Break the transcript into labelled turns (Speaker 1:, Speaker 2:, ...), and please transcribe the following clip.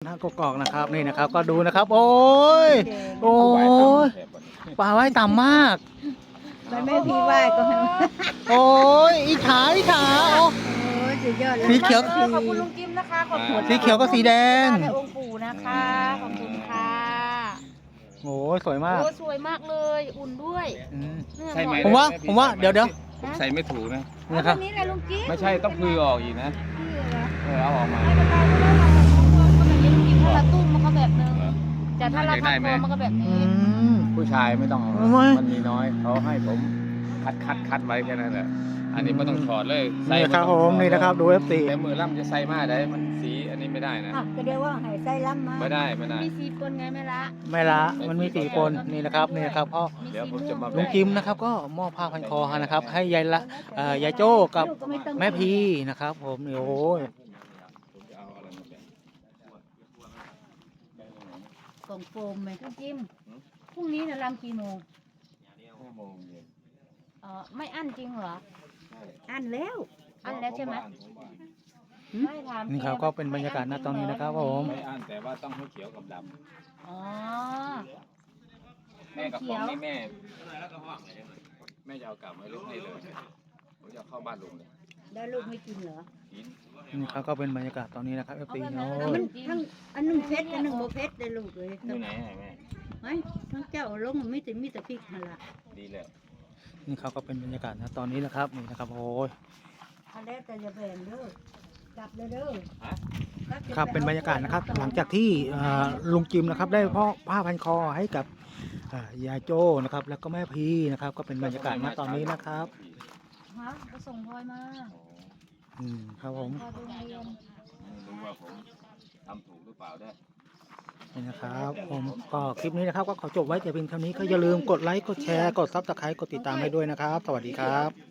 Speaker 1: น้ากกอกนะครับนี่นะครับก็ดูนะครับ โอ้ยโอ้ยปลาว่ายต่ำมาก
Speaker 2: มันไม่พี่ไหว้ก็ให้มัน
Speaker 1: โอ้ยอีขาโอ้
Speaker 2: โอ้ยสุดยอดเลย
Speaker 1: สีเขียว
Speaker 3: ขอบคุณลุงกิมนะคะขอบคุณ
Speaker 1: สีเขียวกับสีแดง
Speaker 3: ในองค์ปู่นะคะขอบคุณค่ะ
Speaker 1: โอ้ยสวยมาก
Speaker 3: โอ้สวยมากเลยอุ่นด้วย
Speaker 1: อืม
Speaker 3: เนี่ย
Speaker 4: ใช่ไหม
Speaker 1: ผมว่าเดี๋ยว
Speaker 4: ผมใส่ไม่ถูกนะ
Speaker 1: นี่ครับ
Speaker 3: วันนี้แหละลุงกิม
Speaker 4: ไม่ใช่ต้องพือออกอีกนะเอาออกมา
Speaker 3: ไม่เป็นไรไม่ได้เราแบบนี้ลุงกิมถ้าเราตุ้มมันก็แบบนึงแต่ถ้าเราทำตัวมันก็แบบ
Speaker 1: อื
Speaker 3: นี้
Speaker 1: ม
Speaker 4: ผู้ชายไม่ต้องเอา
Speaker 1: ไม่
Speaker 4: มันมีน้อยเขาให้ผมคัดไว้แค่นั้นแหละอันนี้ไม่ต้องถอดเลย
Speaker 1: นี่นะครับผมนี่นะครับดู F4
Speaker 4: แต่มือล่ำจะใส่มาได้มันสีอันนี้ไม่ได้นะ
Speaker 2: อ่ะก็เดี๋ยวว่าให้ใส่ล้ำมา
Speaker 4: ไม่ได้
Speaker 3: มีสีปนไงแม่ละ
Speaker 1: ไม่ละมันมี4คนนี่นะครับนี่นะครับพ่อ
Speaker 4: เดี๋ยวผมจะมา
Speaker 1: ลุงกิมนะครับก็มอบผ้าพันคอนะครับ ให้ยายละยายโจ้กับแม่พีนะครับ ผมโอ้ย
Speaker 2: กล่องโฟมไหม
Speaker 3: ลุงกิมพรุ่งนี้นะรำกี่โมง
Speaker 4: 5 โมงเย็น
Speaker 3: ไม่อั้นจริงเหรอ
Speaker 2: อันแล้ว
Speaker 3: อั้นแล้วใช่ไหมไม่ถาม
Speaker 1: นี่ครับก็เป็นบรรยากาศณตอนนี้นะครับผม
Speaker 4: ไม่อ่านแต่ว่าต้องให้เขียวกับด
Speaker 3: อ๋อ
Speaker 4: ำแม่กับของนี่แม่จะเอากลับไว้ลูกนี่เลยผมจะเอาเข้าบ้านลุงเลย
Speaker 2: แล้วลูกไม่กินเหรอ
Speaker 4: กิน
Speaker 1: นี่ครับก็เป็นบรรยากาศตอนนี้นะครับ F4 โอ้
Speaker 2: อ่ะ
Speaker 1: ย
Speaker 2: มันทั้งอันหนึ่งเพชรอันหนึ่งโบเพชรเลยลูกเลย
Speaker 4: อยู่ไหนแม่
Speaker 2: ไม่ทั้งเจ้าลงมันไม่แต่มีแต่พริกหั่นละ
Speaker 4: ดีแล้ว
Speaker 1: นี่ครับก็เป็นบรรยากาศนะตอนนี้นะครับนี่นะครับโอ้ย
Speaker 2: อันแรกแต่จะแบ่งเด้อกลับเลยเด้อ
Speaker 1: ครับเป็นบรรยากาศนะครับ หลังจากที่ลุงจิมนะครับได้พ่อผ้าพันคอให้กับยายโจ้นะครับ แล้วก็แม่พีนะครับ ก็เป็นบรรยากาศณตอนนี้นะครับ
Speaker 3: ฮะก็ส่งพลอยมา
Speaker 1: ครับผม
Speaker 3: พลอยไปโรงเรียน
Speaker 4: รู้ว่าผมทำถูกหรือเปล่าได้
Speaker 1: นี่นะครับผมก็คลิปนี้นะครับก็ขอจบไว้แต่เพียงเท่านี้ก็อย่าลืมกดไลค์กดแชร์กดซับสไครต์กดติดตามให้ด้วยนะครับ สวัสดีครับ